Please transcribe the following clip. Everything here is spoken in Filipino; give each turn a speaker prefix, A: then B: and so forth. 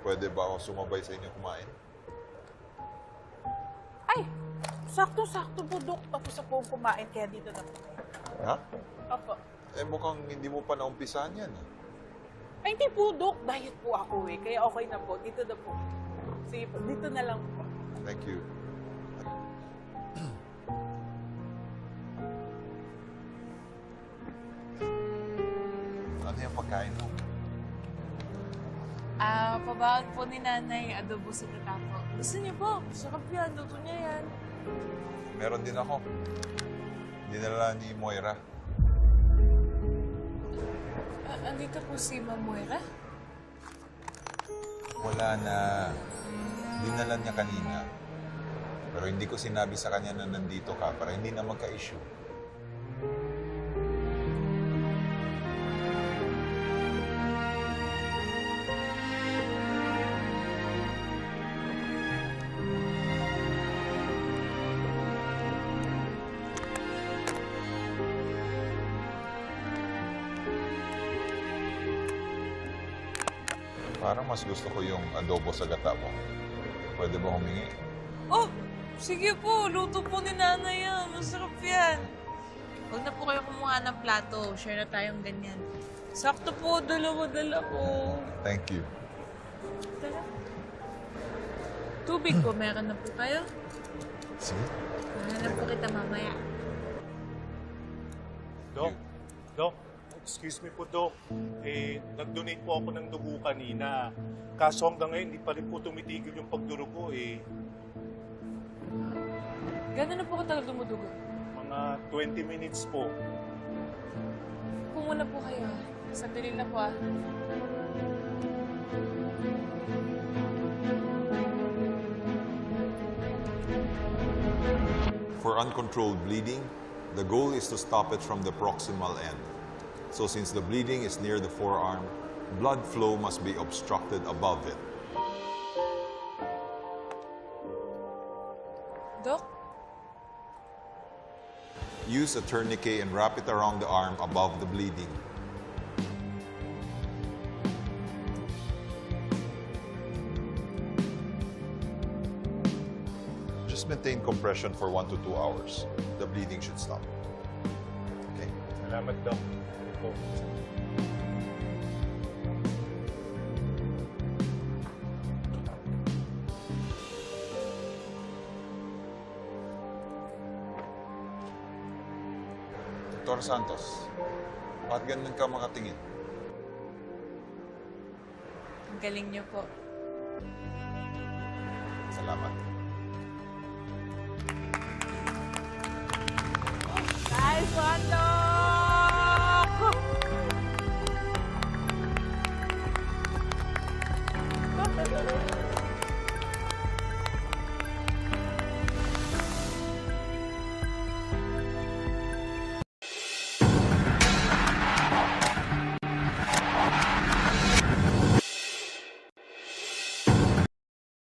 A: Pwede ba ako sumabay sa inyo kumain?
B: Ay, sakto-sakto po, Dok. Tapos na po kumain, kaya dito na po.
A: Ha?
B: Opo.
A: Eh mukhang hindi mo pa naumpisahan yan.
B: Ay, hindi po, Dok. Diet po ako eh. Kaya okay na po. Dito na po. Sige po, dito na lang po.
A: Thank you. Ano yung pagkain mo?
C: Pabaon po ni Nanay, adobo sa tatapo. Gusto niyo po? Sarap yan, luto niya yan.
A: Meron din ako. Dinala ni Moira.
C: Andito po si Ma'am Moira?
A: Wala na. Dinala niya kanina. Pero hindi ko sinabi sa kanya na nandito ka para hindi na magka-issue. Parang mas gusto ko yung adobo sa gata mo. Pwede ba humingi?
C: Oh! Sige po, luto po ni Nanay yan. Masarap yan. Huwag na po kayo kumuha ng plato. Share na tayong ganyan. Sakto po, dalawa-dala po.
A: Thank you.
C: Tara. Tubig po, meron na po kayo?
A: Sige.
C: Meron po kita mamaya.
D: Dok, excuse me po, Dok. Nag-donate po ako ng dugo kanina. Kaso hanggang ngayon, hindi pa rin po tumitigil yung pagdurugo
C: Gano'n na po katagal dumudugo?
D: Mga 20 minutes po.
C: Pumuna po kayo. Sandali na po ah.
A: For uncontrolled bleeding, the goal is to stop it from the proximal end. So since the bleeding is near the forearm, blood flow must be obstructed above it.
C: Dok?
A: Use a tourniquet and wrap it around the arm above the bleeding. Just maintain compression for 1 to 2 hours. The bleeding should stop. Okay?
D: Salamat, Dok. Po.
A: Dr. Santos, bakit ganun ka makatingin?
C: Ang galing niyo po.
A: Salamat.
B: Nice one, Dok!